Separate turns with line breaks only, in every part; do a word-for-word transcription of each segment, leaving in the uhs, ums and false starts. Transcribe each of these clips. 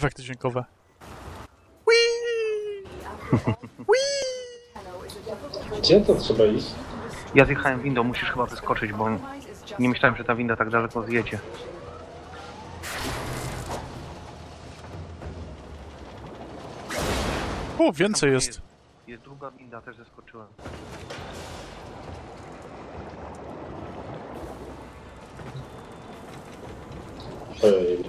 Efekty dźwiękowe. Whee! Whee!
Gdzie to trzeba iść?
Ja zjechałem windą, musisz chyba wyskoczyć, bo nie myślałem, że ta winda tak daleko zjedzie.
O, więcej jest.
jest. Jest druga winda, też zeskoczyłem.
Ej.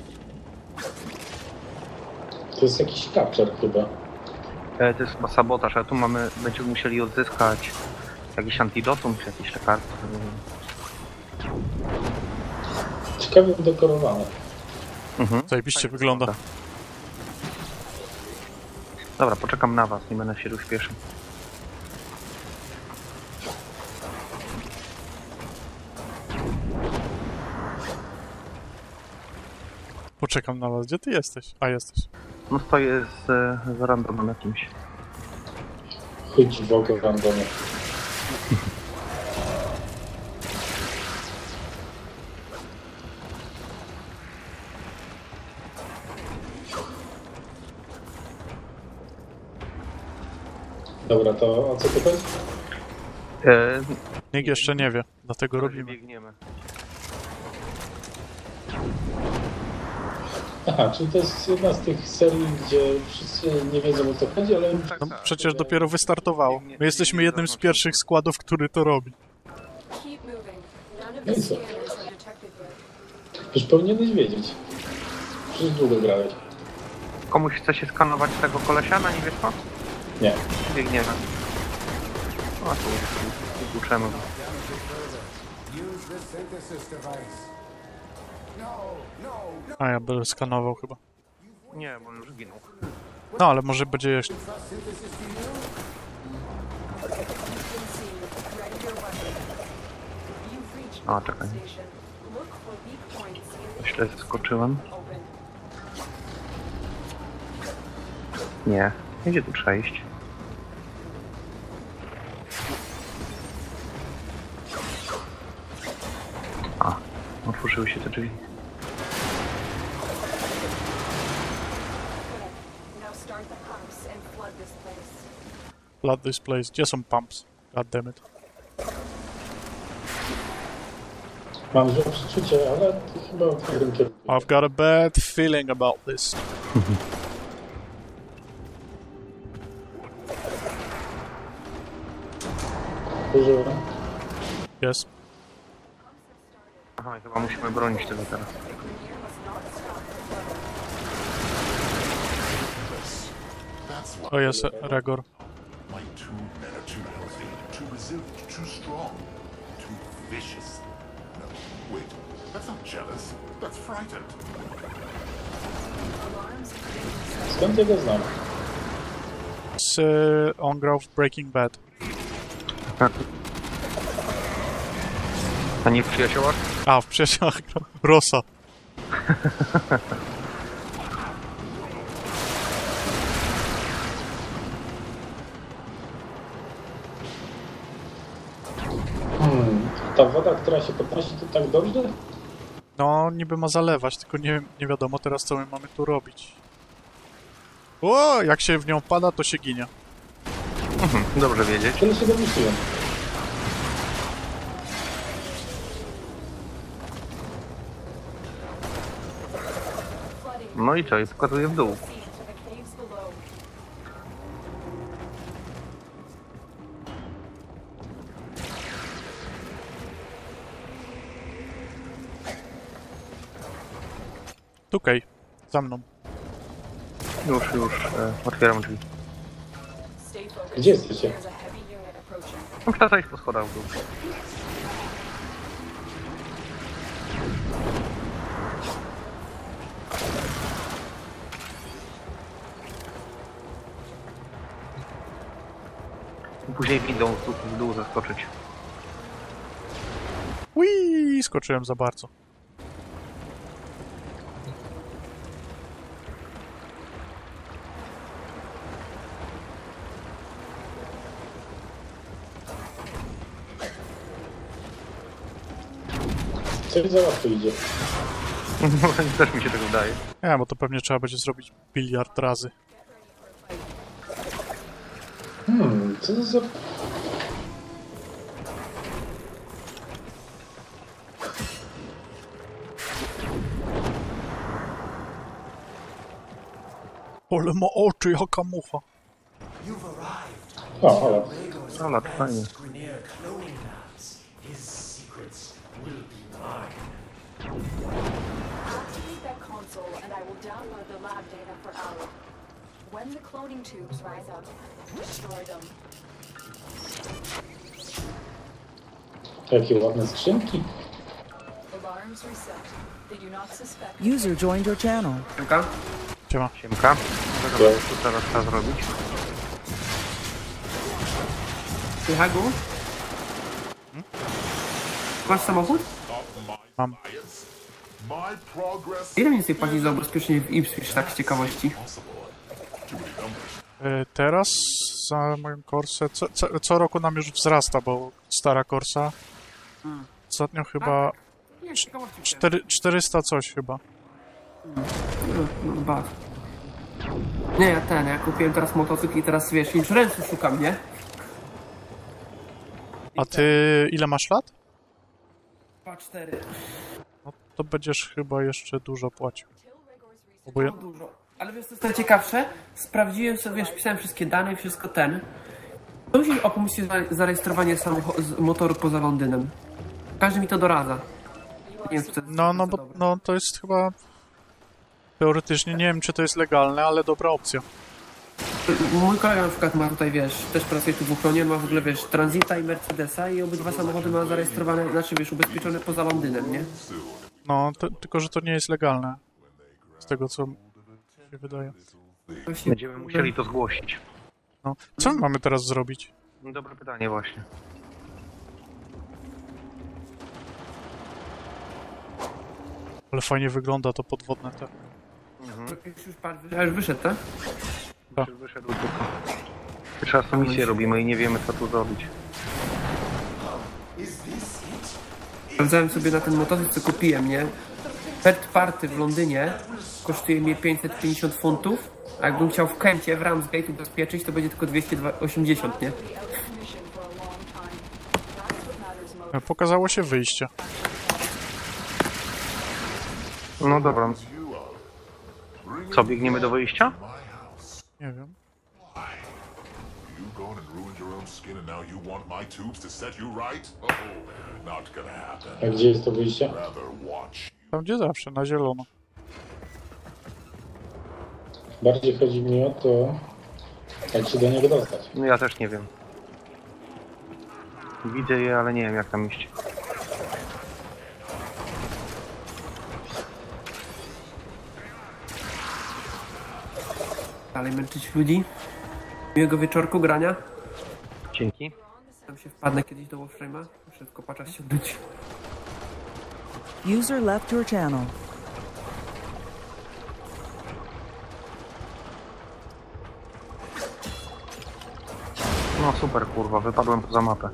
To jest jakiś capture chyba.
E, to jest chyba sabotaż, ale tu mamy, będziemy musieli odzyskać jakiś antidotum, czy jakieś lekarstwo.
Ciekawie udekorowane.
Mhm.
Zajebiście wygląda.
Dobra, poczekam na was, nie będę się rozpieszył.
Poczekam na was. Gdzie ty jesteś? A, jesteś.
No stoję z, z randomem jakimś.
Chodź w ogóle randomie. Dobra, to o co to chodzi?
E,
Nikt jeszcze nie wie, dlatego robimy.
biegniemy.
Aha, czyli to jest jedna z tych serii, gdzie wszyscy nie wiedzą o co chodzi, ale...
No, przecież dopiero wystartowało. My jesteśmy jednym z pierwszych składów, który to robi.
No i co? Już powinieneś wiedzieć. Przecież długo grałeś.
Komuś chce się skanować tego kolesia na niebiesko?
Nie.
Biegniemy. No tu wykluczemy.
A ja będę skanował chyba.
Nie, bo on już ginął.
No, ale może będzie jeszcze...
A, czekaj. Źle zeskoczyłem. Nie, gdzie tu przejść? A, otworzyły się te drzwi.
Flood this place. Gdzie są pumps? God damn it.
Mam złe przeczucie, ale to chyba w dobrym kierunku.
I've got a bad feeling about this.
Użyłem.
Jest.
Aha, chyba musimy bronić tego teraz.
O, jest Regor.
My two men are too healthy, too resilient, too strong, too vicious. No, wait, that's not jealous, that's frightened.
Skąd ja go znam?
Z uh, On Grove Breaking Bad.
A nie w przyjaciołach?
A, w przyjaciołach Rosa.
Hmm. Ta woda, która się podnosi, to tak dobrze?
No, niby ma zalewać, tylko nie, nie wiadomo teraz, co my mamy tu robić. O, jak się w nią pada, to się ginie.
Mhm, dobrze wiedzieć.
Tyle się domyśliłem.
No i co? I pokazuję w dół.
Tukaj, za mną.
Już, już e, otwieram drzwi.
Gdzie jesteście?
No, trzeba zejść po schodach w dół. I później windą w dół, w dół zaskoczyć.
Ui, skoczyłem za bardzo.
Coś za łatwo idzie.
Też mi się tego wydaje.
Nie, bo to pewnie trzeba będzie zrobić biliard razy.
Hmm, co to za...
Ale ma oczy, jaka mucha.
O, ale...
Ale to fajnie.
Grineer cloning labs. His secrets will be mine.
Activate that console and I will download the lab data for Owl. When the cloning tubes rise up, destroy them.
Jakie ładne skrzynki.
Alarms reset. They do not suspect.
User joined your channel.
Siemka?
Siema.
Siemka. Co tu teraz trzeba zrobić?
Ty, Hagu? Masz samochód?
Mam.
My progress
Ile mniej więcej płacisz za ubezpieczenie w Ipswich, tak z ciekawości?
Y, teraz za moją Corsę, co, co, co roku nam już wzrasta, bo stara Corsa ostatnio chyba
Nie, z ciekawości.
cztery, czterysta coś chyba.
No, no, bad. Nie, ja ten, ja kupiłem teraz motocykl i teraz, wiesz, insurance'u szukam, nie?
A ty ile masz lat?
dwa cztery.
No to będziesz chyba jeszcze dużo płacił. Bo ja,
No dużo. Ale wiesz, co jest najciekawsze? Sprawdziłem sobie, wiesz, pisałem wszystkie dane, wszystko ten. To musi opuścić zarejestrowanie samocho- z motoru poza Londynem. Każdy mi to doradza. Nie wiem, czy to jest
no, no, bo,
dobre.
no to jest chyba teoretycznie, nie wiem czy to jest legalne, ale dobra opcja.
Mój kolega na przykład ma tutaj, wiesz, też pracuje tu w ochronie, ma w ogóle, wiesz, Transita i Mercedesa i obydwa samochody ma zarejestrowane, znaczy, wiesz, ubezpieczone poza Londynem, nie?
No, to, tylko że to nie jest legalne. Z tego co mi się wydaje.
Właśnie,
Będziemy musieli to zgłosić.
No. Co my mamy teraz zrobić?
No, dobre pytanie właśnie.
Ale fajnie wygląda to podwodne te.
Już, już, pan- a już wyszedł, tak?
Tak.
Już wyszedł tylko. Pierwszy raz tą misję robimy i nie wiemy co tu zrobić.
Sprawdzałem sobie na ten motocykl, co kupiłem, nie? Third party w Londynie kosztuje mnie pięćset pięćdziesiąt funtów, a jakbym chciał w Kencie, w Ramsgate ubezpieczyć, to będzie tylko dwieście osiemdziesiąt, nie?
Be out of commission for a long time. That's what matters most.
Pokazało się wyjście.
No dobra. Co, biegniemy do wyjścia?
my house.
Nie wiem.
You gone and ruined your own skin and now you want my tubes to set you right? Oh, not gonna happen.
A gdzie jest to wyjście?
Rather watch.
Tam gdzie zawsze, na zielono.
Bardziej chodzi mi o to, jak się do niego dostać.
No ja też nie wiem. Widzę je, ale nie wiem jak tam iść.
Dalej męczyć ludzi. Miłego wieczorku grania.
Dzięki.
Tam się wpadnę kiedyś do Warframe'a. Muszę tylko patrzeć się odbyć.
User left your channel.
No super kurwa, wypadłem poza mapę.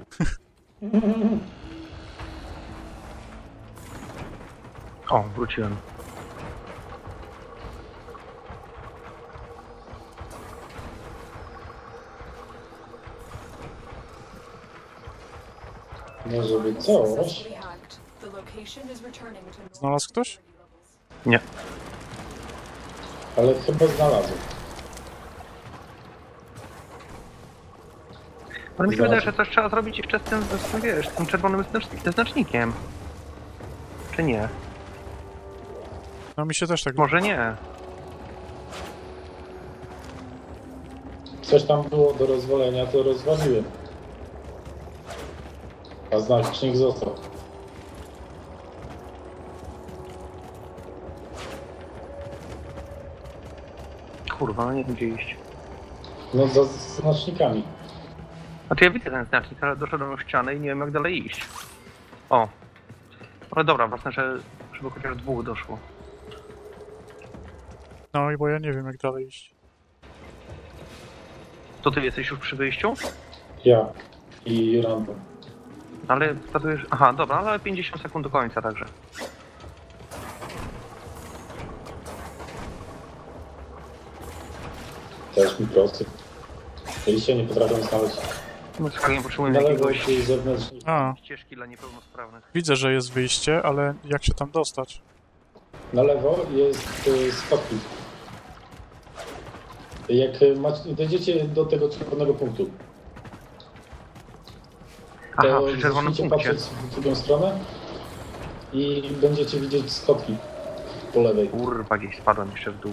O, wróciłem.
Może być coś,
Successfully hacked. The location is returning to normal
Znalazł ktoś?
Nie.
ale chyba znalazłem.
Ale mi się wydaje, że coś trzeba zrobić jeszcze z tym, z tym wiesz, z tym czerwonym znacz- znacznikiem. Czy nie?
No mi się też tak...
Może nie.
Coś tam było do rozwalenia, to rozwaliłem. A znacznik został.
Kurwa, no nie wiem gdzie iść.
No za z znacznikami.
Znaczy ja widzę ten znacznik, ale doszedłem do ściany i nie wiem jak dalej iść. O. Ale dobra, ważne, że żeby chociaż dwóch doszło.
No i bo ja nie wiem jak dalej iść.
To ty jesteś już przy wyjściu?
Ja i Rambo.
Ale statujesz... Aha, dobra, ale pięćdziesiąt sekund do końca także.
Też mi prosty. Jeśli nie potrafią znaleźć
No z Hagiem potrzebujemy
na lewo
jakiegoś
czy zewnętrznie.
A,
ścieżki dla niepełnosprawnych.
widzę, że jest wyjście, ale jak się tam dostać?
Na lewo jest y, schodki. Jak y, macie, dojdziecie do tego czerwonego punktu,
Aha,
to
przy czerwonym
zacznijcie
punkcie.
patrzeć w drugą stronę i będziecie widzieć schodki po lewej.
Kurwa, gdzieś spadłem jeszcze w dół.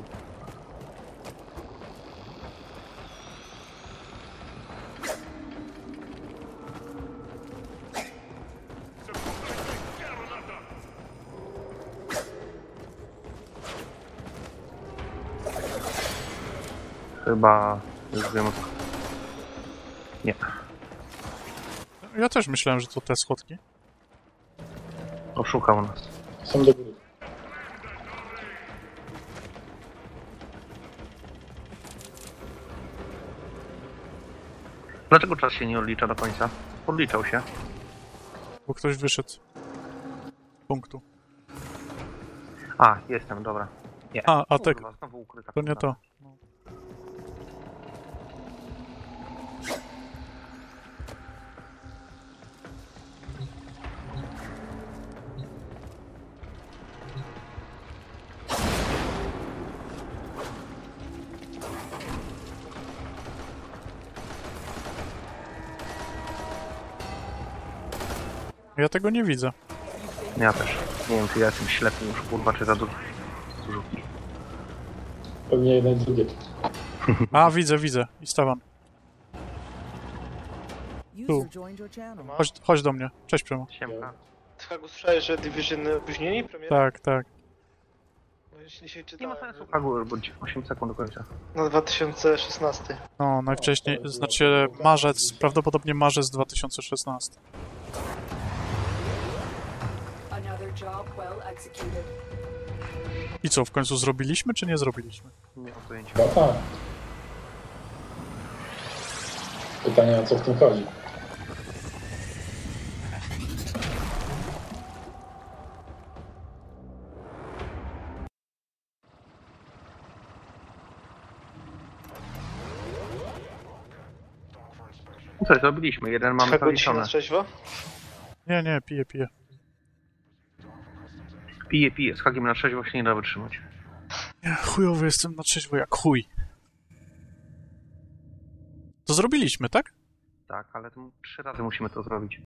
Chyba już wiem o co. Nie.
Ja też myślałem, że to te schodki.
Oszukał nas.
Są do góry.
Dlaczego czas się nie odlicza do końca? Odliczał się.
Bo ktoś wyszedł z punktu.
A, jestem, dobra. Nie.
A, a tak,
Kurwa, znowu ukryta.
to nie
kurwa.
to. Ja tego nie widzę.
Ja też. Nie wiem, czy ja jestem ślepy już, kurwa, czy za dużo. Dużo.
Pewnie jedno i drugie.
A, widzę, widzę. I Stawan.
User joined your channel.
Chodź, chodź do mnie. Cześć, Przemo.
Siemka.
Hagu, słyszałeś, że Division opóźnili premierę?
Tak, tak.
No, jeśli się
Nie ma
czytałem,
sensu, Hagu, bo osiem sekund do końca.
na dwa tysiące szesnasty.
No, najwcześniej, znaczy marzec, prawdopodobnie marzec dwa tysiące szesnasty.
Another job well executed.
I co, w końcu zrobiliśmy, czy nie zrobiliśmy?
Nie mam pojęcia.
No tak. Pytanie, o co w tym chodzi?
No coś zrobiliśmy, jeden mamy
Hagu, dzisiaj
zaliczone.
na trzeźwo?
Nie, nie, piję, piję.
Piję, piję, z Hagiem na trzeźwo się nie da wytrzymać.
Ja chujowy jestem na trzeźwo jak chuj. To zrobiliśmy, tak?
Tak, ale to trzy razy musimy to zrobić.